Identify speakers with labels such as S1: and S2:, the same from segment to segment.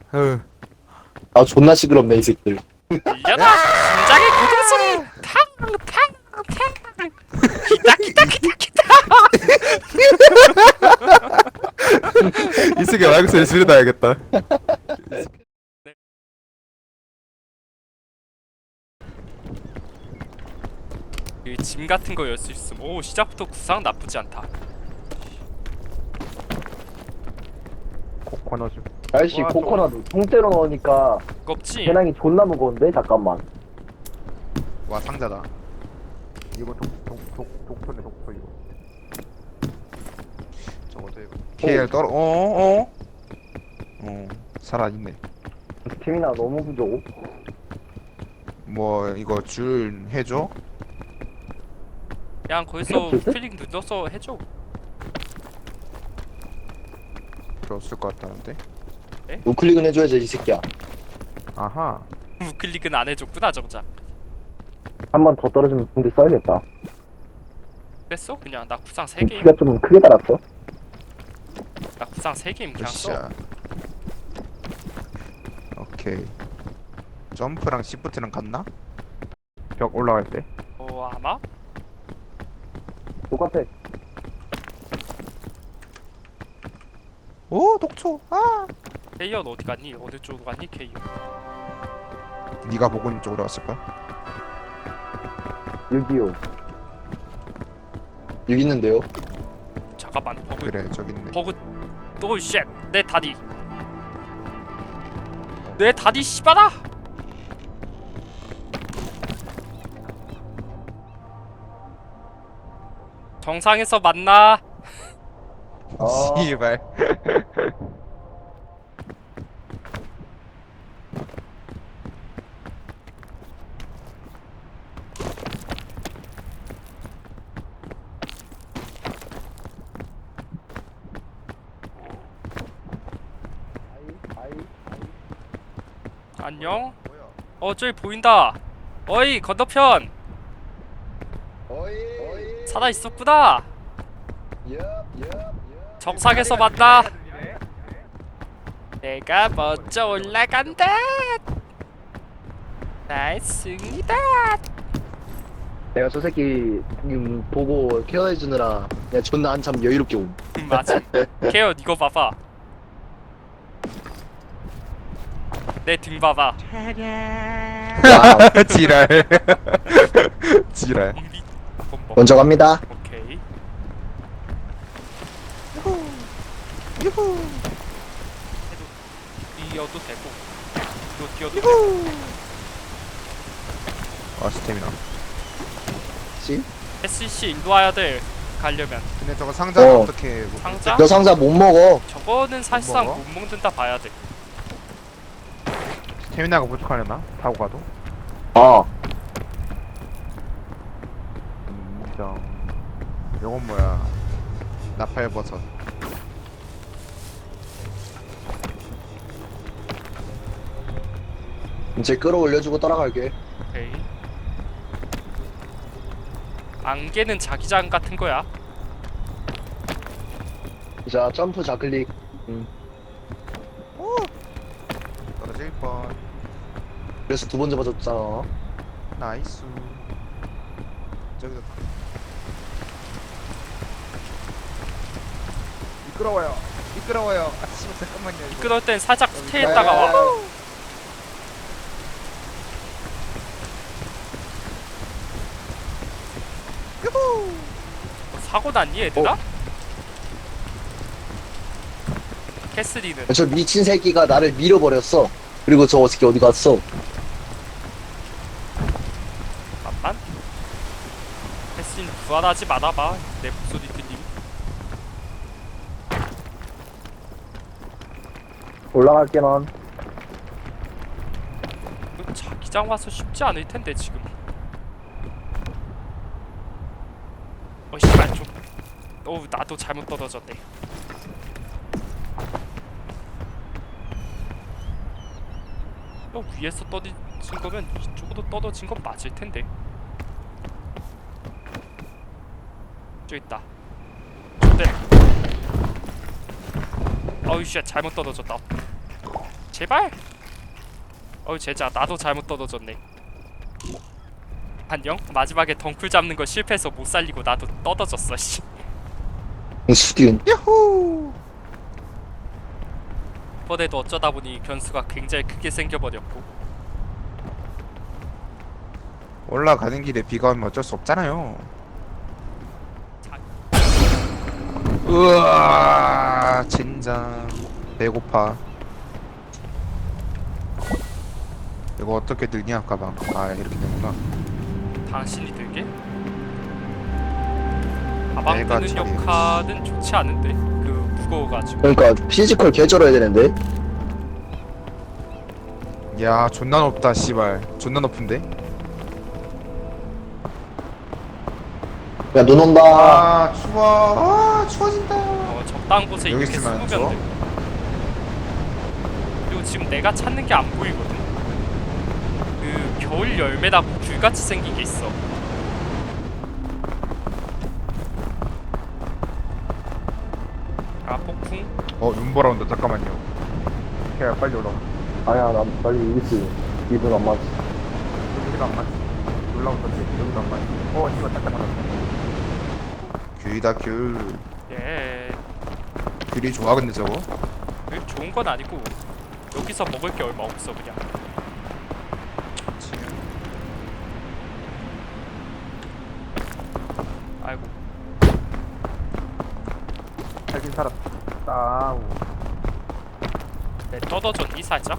S1: 어.
S2: 아 존나 시끄럽네 이 새끼들.
S3: 들려라 심장의 고동소리 탕탕탕 기타 기타 기타 기타.
S1: 이 새끼 마이크 소리 줄여놔야겠다.
S3: 이짐 같은 거 열 수 있음. 오 시작부터 구상 나쁘지 않다.
S1: 코코넛.
S2: 아저씨
S1: 와,
S2: 코코넛 통째로 넣으니까
S3: 껍질.
S2: 배낭이 존나 무거운데 잠깐만.
S1: 와 상자다. 이거 독토네 독토 이거. 저거도 이거. KL 떨어. 살아있네.
S2: 스태미나 너무 부족.
S1: 뭐 이거 줄 해줘?
S3: 그냥 거기서 필링 눌러서 해줘.
S1: 필요 없을 것 같다는데.
S2: 우클릭은 해줘야지 이 새끼야.
S1: 아하.
S3: 우클릭은 안 해줬구나 정작.
S2: 한 번 더 떨어지면 군대 써야겠다.
S3: 뺐어? 그냥 나 구상 3개임.
S2: 키가 좀 크게 달았어.
S3: 나 구상 3개임 그냥 써.
S1: 으쌰. 오케이. 점프랑 시프트랑 같나? 벽 올라갈 때.
S3: 아마?
S2: 똑같아.
S1: 오 독초. 아.
S3: 케이언 어디 갔니? 어느 쪽으로 갔니 케이언?
S1: 네가 보고 있는 쪽으로 왔을까?
S2: 625. 6 있는데요?
S3: 잠깐만 버그.
S1: 그래 저기 있네.
S3: 버그. 또 쉣. 내 다리. 내 다리 씨발아. 정상에서 만나.
S1: 씨발.
S3: 안녕. 저기 보인다. 어이 건너편. 살아 있었구나. 정상에서 만나. 내가 먼저 올라간다. 나의 승리다.
S2: 내가 저 새끼 보고 케어해주느라 내가 존나 한참 여유롭게 옴.
S3: 맞아. 케어 이거 봐봐. 내 등 봐봐.
S2: 야,
S1: 지랄. 지랄.
S3: 우리 한번 먹.
S2: 먼저 갑니다.
S3: 오케이.
S1: 유후.
S3: 뛰어도 되고. 또 뛰어도 되고.
S1: 아 스태미나.
S2: 씨?
S3: SC 일로 와야 돼. 가려면
S1: 근데 저거 상자는
S2: 어.
S1: 어떻게 뭐
S3: 상자?
S2: 너 상자 못 먹어.
S3: 저거는 사실상
S1: 먹어?
S3: 못 먹는다 봐야 돼.
S1: 스태미나가 부족하려나? 타고 가도?
S2: 아,
S1: 인정. 요건 뭐야? 나팔버섯.
S2: 이제 끌어올려주고 따라갈게.
S3: 오케이. 안개는 자기장 같은 거야.
S2: 자, 점프 좌클릭.
S1: 떨어질 뻔.
S2: 그래서 두 번 잡아줬잖아.
S1: 나이스. 저기서 미끄러워요. 미끄러워요. 아 씨발 잠깐만요.
S3: 그럴 땐 살짝 스테이했다가 와. 사고 났니 얘들아? 캐슬리는
S2: 저 미친 새끼가 나를 밀어버렸어. 그리고 저 새끼 어디 갔어?
S3: 잠깐만. 캐슬리는 부활하지 말아봐. 내 목소리 들림.
S2: 올라갈게 넌.
S3: 이거 자기장 와서 쉽지 않을 텐데 지금. 씨발 좀. 나도 잘못 떨어졌네. 위에서 떨어진 거면 이쪽으로 떨어진 건 맞을 텐데. 저기 있다. 좋대. 어우 씨 잘못 떨어졌다. 제발. 제자 나도 잘못 떨어졌네. 안녕. 마지막에 덩쿨 잡는 거 실패해서 못 살리고 나도 떨어졌어. 씨.
S2: 수디운.
S1: 야호.
S3: 이번에도 어쩌다 보니 변수가 굉장히 크게 생겨버렸고.
S1: 올라가는 길에 비가 오면 어쩔 수 없잖아요. 우와 진짜 배고파. 이거 어떻게 들냐 가방. 아 이렇게 되구나.
S3: 당신이 들게? 가방
S1: 내가
S3: 드는
S1: 처리해.
S3: 역할은 좋지 않은데? 그 무거워가지고.
S2: 그러니까 피지컬 개쩔어야 되는데.
S1: 야 존나 높다 씨발. 존나 높은데.
S2: 야 눈 온다.
S1: 아 추워. 아 추워진다.
S3: 적당한 곳에
S1: 여기
S3: 이렇게
S1: 있으면 안
S3: 숨으면 돼. 그리고 지금 내가 찾는 게 안 보이거든. 그 겨울 열매라고 귤같이 생긴 게 있어. 아 폭풍?
S1: 눈보라 온다. 잠깐만요. 야 빨리 올라와.
S2: 아야 나 빨리 이기지. 이분 안 맞지.
S1: 여기도 안 맞지. 올라온다지. 여기도 안 맞지. 씨발 딱딱 맞았어. 귤이다 귤.
S3: 예.
S1: 귤이 좋아 근데 저거.
S3: 그 좋은 건 아니고 여기서 먹을 게 얼마 없어 그냥. 아이고.
S1: 살긴 살았다.
S3: 내 떨어졌니 살짝?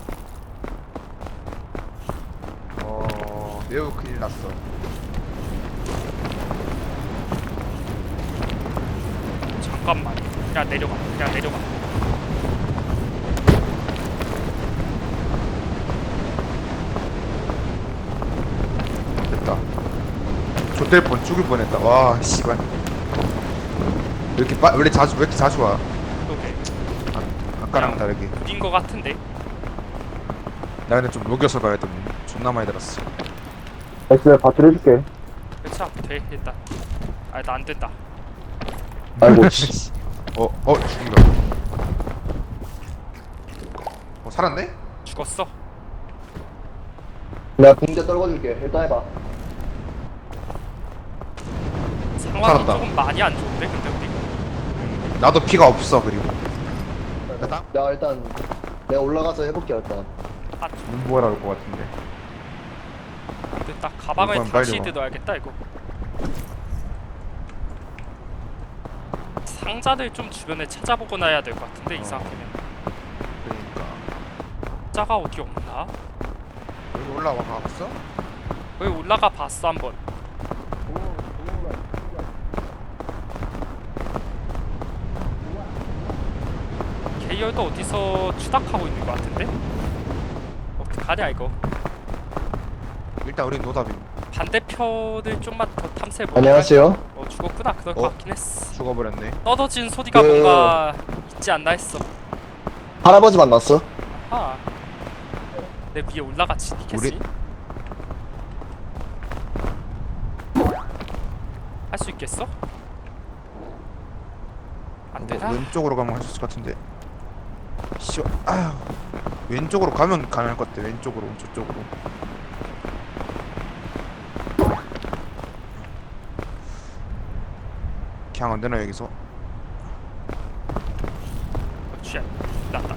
S1: 매우 큰일 났어.
S3: 잠깐만. 그냥 내려가. 그냥 내려가.
S1: 됐다. 좆될 뻔 죽을 뻔했다. 와 씨발. 왜 이렇게 자주 와?
S3: 그러게.
S1: 아까랑 다르게.
S3: 느린 거 같은데.
S1: 나 근데 좀 녹여서 가야 돼. 존나 많이 들었어.
S2: 엑스 밭을 해줄게.
S3: 그쵸? 돼 일단. 아 나 안 된다.
S2: 아이고 씨.
S1: 죽인다. 살았네?
S3: 죽었어.
S2: 내가 붕대 떨궈줄게. 일단 해봐.
S3: 상황이
S1: 살았다.
S3: 조금 많이 안 좋은데 근데 우리.
S1: 나도 피가 없어 그리고. 됐다?
S2: 내가 일단 내가 올라가서 해볼게 일단.
S3: 아
S1: 눈보라 올것 같은데.
S3: 됐다. 가방을
S1: 이건
S3: 다시
S1: 빨리 와.
S3: 들어야겠다 이거. 상자를 좀 주변에 찾아보고 나야 될 것 같은데 이 상태면.
S1: 그러니까.
S3: 상자가 어디 없나?
S1: 여기 올라와 봤어?
S3: 여기 올라가 봤어 한번. 계열도 어디서 추락하고 있는 것 같은데? 어떡하냐 이거.
S1: 일단 우리 노답이.
S3: 반대편을 좀만 더 탐색해볼까?
S2: 안녕하세요.
S3: 죽었구나. 그럴 것 같긴 했어.
S1: 죽어버렸네.
S3: 떨어진 소리가
S2: 그-
S3: 뭔가 있지 않나 했어.
S2: 할아버지 만났어?
S3: 아, 내 위에 올라갔지 니겠지? 할 수 있겠어? 안 되나?
S1: 왼쪽으로 가면 할 수 있을 것 같은데. 아휴. 왼쪽으로 가면 가능할 것 같아. 왼쪽으로 저쪽으로. 그냥 안 되나 여기서?
S3: 쥐야, 났다.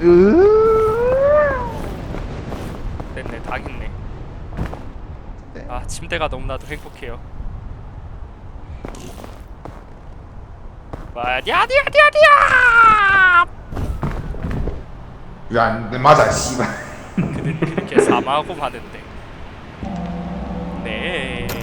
S3: 됐네, 당했네.
S1: 네.
S3: 아, 침대가 너무나도 행복해요. 와디아디아디아디아!
S1: 왜안 맞아 씨발.
S3: 그는 그렇게 사망하고 마는데. 네.